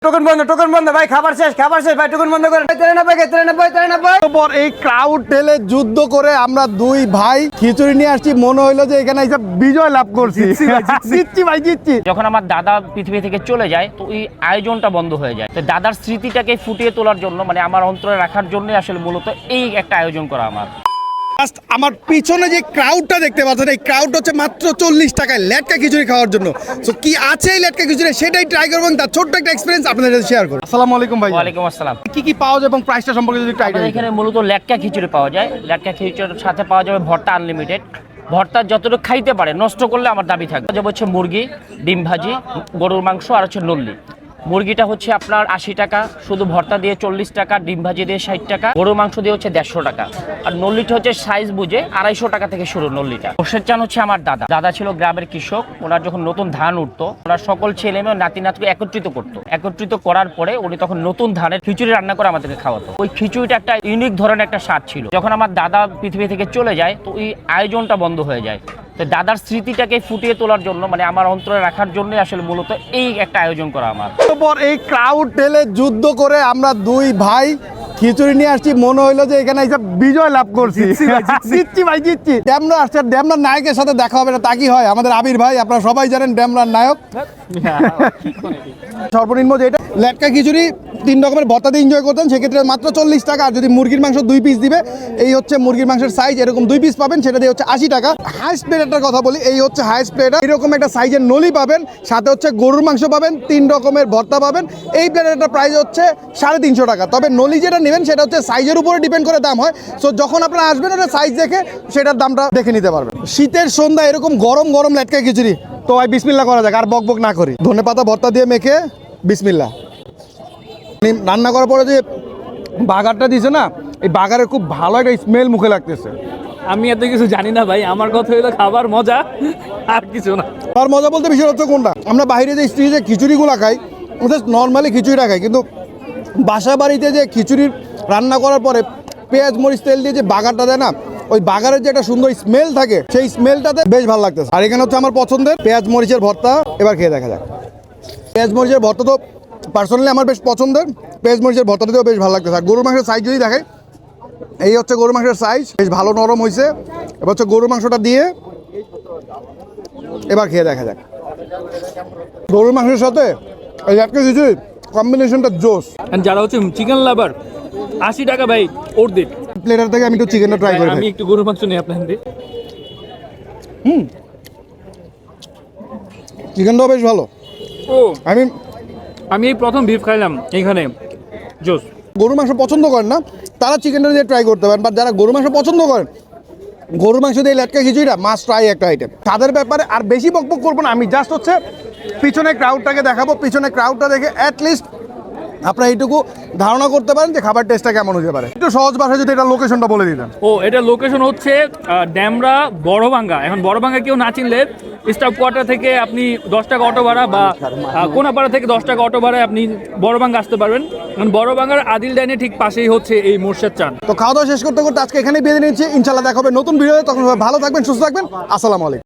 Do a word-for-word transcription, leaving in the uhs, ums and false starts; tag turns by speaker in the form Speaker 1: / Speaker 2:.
Speaker 1: Token বন্ধ token বন্ধ ভাই, খাবার শেষ খাবার শেষ ভাই, টোকন বন্ধ করেন। তিরানব্বই তিরানব্বই তিরানব্বই
Speaker 2: পর এই ক্রাউড ঠেলে যুদ্ধ করে আমরা দুই ভাই খিচুড়ি নিয়ে আসছি। মনে হইলো যে এখানে এসে বিজয় লাভ করছি। জিতছি ভাই জিতছি।
Speaker 3: যখন আমার দাদা পৃথিবী থেকে চলে যায় তো এই আয়োজনটা বন্ধ হয়ে যায়। তো দাদার স্মৃতিটাকে ফুটিয়ে তোলার জন্য, মানে আমার অন্তরে রাখার জন্য আসলে মূলত এই একটা আয়োজন করা আমার।
Speaker 2: আমার পিছনে যে ক্রাউডটা দেখতে পাচ্ছেন, এই ক্রাউড হচ্ছে মাত্র চল্লিশ টাকায় লেটকা খিচুড়ি খাওয়ার জন্য। তো কি আছে এই লেটকা খিচুড়ি সেটাই ট্রাই করবো, তার ছোট্ট একটা এক্সপিরিয়েন্স আপনাদের সাথে শেয়ার করবো। আসসালামু আলাইকুম ভাই।
Speaker 3: ওয়ালাইকুম আসসালাম।
Speaker 2: কি কি পাওয়া যায় এবং প্রাইসটা সম্পর্কে যদি ট্রাই
Speaker 3: আমাদের এখানে মূলত লেটকা খিচুড়ি পাওয়া যায়। লেটকা খিচুড়ির সাথে পাওয়া যাবে ভর্তা আনলিমিটেড। ভর্তা যতটুকু খাইতে পারে, নষ্ট করলে আমার দাবি থাকবে। যেমন হচ্ছে মুরগি, ডিম ভাজি, গরুর মাংস আর হচ্ছে নল্লি। মুরগিটা হচ্ছে আপনার আশি টাকা, শুধু ভর্তা দিয়ে চল্লিশ টাকা, ডিম ভাজি দিয়ে ষাট টাকা, গরুর মাংস দিয়ে হচ্ছে দেড়শো টাকা। আর নল্লিটা হচ্ছে সাইজ বুঝে আড়াইশো টাকা থেকে শুরু নল্লিটা। মোর্শেদ চান হচ্ছে আমার দাদা। দাদা ছিল গ্রামের কৃষক। ওনার যখন নতুন ধান উঠতো, ওনার সকল ছেলে মেয়ে নাতি নাতকে একত্রিত করতো। একত্রিত করার পরে উনি তখন নতুন ধানের খিচুড়ি রান্না করে আমাদেরকে খাওয়াতো। ওই খিচুড়িটা একটা ইউনিক ধরনের একটা স্বাদ ছিল। যখন আমার দাদা পৃথিবী থেকে চলে যায় তো এই আয়োজনটা বন্ধ হয়ে যায়। তো দাদার স্মৃতিটাকে ফুটিয়ে তোলার জন্য, মানে আমার অন্তরে রাখার জন্য আসলে মূলত এই একটা আয়োজন করা আমার।
Speaker 2: পর এই ক্রাউড ঠেলে যুদ্ধ করে আমরা দুই ভাই খিচুড়ি নিয়ে আসছি। মনে হইলো যে এখানে এসে বিজয় লাভ করছি। জিতছি ভাই জিতছি। ড্যামরা আসছে, ড্যামরার নায়কের সাথে দেখা হবে না তা কি হয়? আমাদের আবির ভাই, আপনারা সবাই জানেন ড্যামরার নায়ক। সর্বনিম্ন যেটা লেটকা খিচুড়ি তিন রকমের ভর্তা দিয়ে এনজয় করতেন, সেক্ষেত্রে মাত্র চল্লিশ টাকা। আর যদি মুরগির মাংস দুই পিস দিবে, এই হচ্ছে মুরগির মাংসের সাইজ, এরকম দুই পিস পাবেন, সেটা দিয়ে হচ্ছে আশি টাকা। হাইস্ট প্লেটার কথা বলি, এই হচ্ছে হাইস্ট প্লেটার। এরকম একটা সাইজের নলি পাবেন, সাথে হচ্ছে গরুর মাংস পাবেন, তিন রকমের ভর্তা পাবেন। এই প্লেটারটার প্রাইস হচ্ছে সাড়ে তিনশো টাকা। তবে নলি যেটা নেবেন সেটা হচ্ছে সাইজের উপরে ডিপেন্ড করে দাম হয়। সো যখন আপনারা আসবেন ওটা সাইজ দেখে সেটার দামটা দেখে নিতে পারবেন। শীতের সন্ধ্যা এরকম গরম গরম লেটকা খিচুড়ি, তো ভাই বিসমিল্লাহ করা যাক, আর বক বক না করি। ধনেপাতা ভর্তা দিয়ে মেখে বিসমিল্লাহ। রান্না করার পরে যে বাগারটা দিছে না, এই বাগারের খুব ভালো একটা স্মেল মুখে লাগতেছে।
Speaker 4: আমি এত কিছু জানি না ভাই, আমার কথা হলো খাবার মজা আর কিছু না।
Speaker 2: আর মজা বলতে বিষয় হচ্ছে কোনটা, আমরা বাইরে যে স্ত্রী যে খিচুড়িগুলো খাই, ওদের নর্মালি খিচুড়িটা খাই, কিন্তু বাসা বাড়িতে যে খিচুড়ি রান্না করার পরে পেঁয়াজ মরিচ তেল দিয়ে যে বাগারটা দেয় না, ওই বাগারের যে একটা সুন্দর স্মেল থাকে, সেই স্মেলটাতে বেশ ভালো লাগতেছে। আর এখানে হচ্ছে আমার পছন্দের পেঁয়াজ মরিচের ভর্তা। এবার খেয়ে দেখা যাক। পেঁয়াজ মরিচের ভর্তা তো পার্সোনালি আমার বেশ পছন্দের। পেঁয়াজ মরিচের ভর্তাটাতেও বেশ ভালো লাগতেছে। আর গরুর মাংসের সাইজ যদি দেখাই, এই হচ্ছে গরুর মাংসের সাইজ, বেশ ভালো নরম হয়েছে। এবার হচ্ছে গরুর মাংসটা দিয়ে এবার খেয়ে দেখা যাক। গরুর মাংসের সাথে এই একটা কিছু কম্বিনেশনটা জোস।
Speaker 4: যারা হচ্ছে চিকেন লাভার, আশি টাকা ভাই ওর দিন।
Speaker 2: প্লেটার থেকে আমি একটু চিকেনটা ট্রাই করি।
Speaker 4: আমি একটু গরুর মাংস নিই আপনাদের দিয়ে।
Speaker 2: হুম, চিকেনটাও বেশ ভালো।
Speaker 4: ও
Speaker 2: আমি
Speaker 4: আমি এই প্রথম বিফ খাইলাম এখানে, জোস।
Speaker 2: গরুর মাংস পছন্দ করেন না তারা চিকেনটা দিয়ে ট্রাই করতে পারেন, বাট যারা গরুর মাংস পছন্দ করেন, গরুর মাংস দিয়ে লেটকা খিচুড়িটা মাস্ট ট্রাই একটা আইটেম। তাদের ব্যাপারে আর বেশি বকবক করবো না, আমি জাস্ট হচ্ছে পিছনে ক্রাউডটাকে দেখাবো। পিছনে ক্রাউডটা দেখে অ্যাটলিস্ট আপনারা এইটুকু ধারণা করতে পারেন যে খাবার টেস্টটা কেমন হতে পারে। একটু সহজ ভাষায় যদি এটা লোকেশনটা বলে দিতেন।
Speaker 4: ও এটা লোকেশন হচ্ছে আহ, ড্যামরা বড়ভাঙ্গা। এখন বড়ভাঙ্গা কেউ না চিনলে স্টাফ কোয়ার্টার থেকে আপনি দশ টাকা অটো ভাড়া বা আহ, কোনাপাড়া থেকে দশ টাকা অটো ভাড়ায় আপনি বড়ভাঙ্গা আসতে পারবেন। কারণ বড়ভাঙ্গার আদিল ডাইনে ঠিক পাশেই হচ্ছে এই মোর্শেদ চান।
Speaker 2: তো খাওয়া দাওয়া শেষ করতে করতে আজকে এখানেই বেঁধে নিচ্ছি। ইনশাল্লাহ দেখা হবে নতুন ভিডিওতে, তখন ভালো থাকবেন, সুস্থ থাকবেন। আসসালামু আলাইকুম।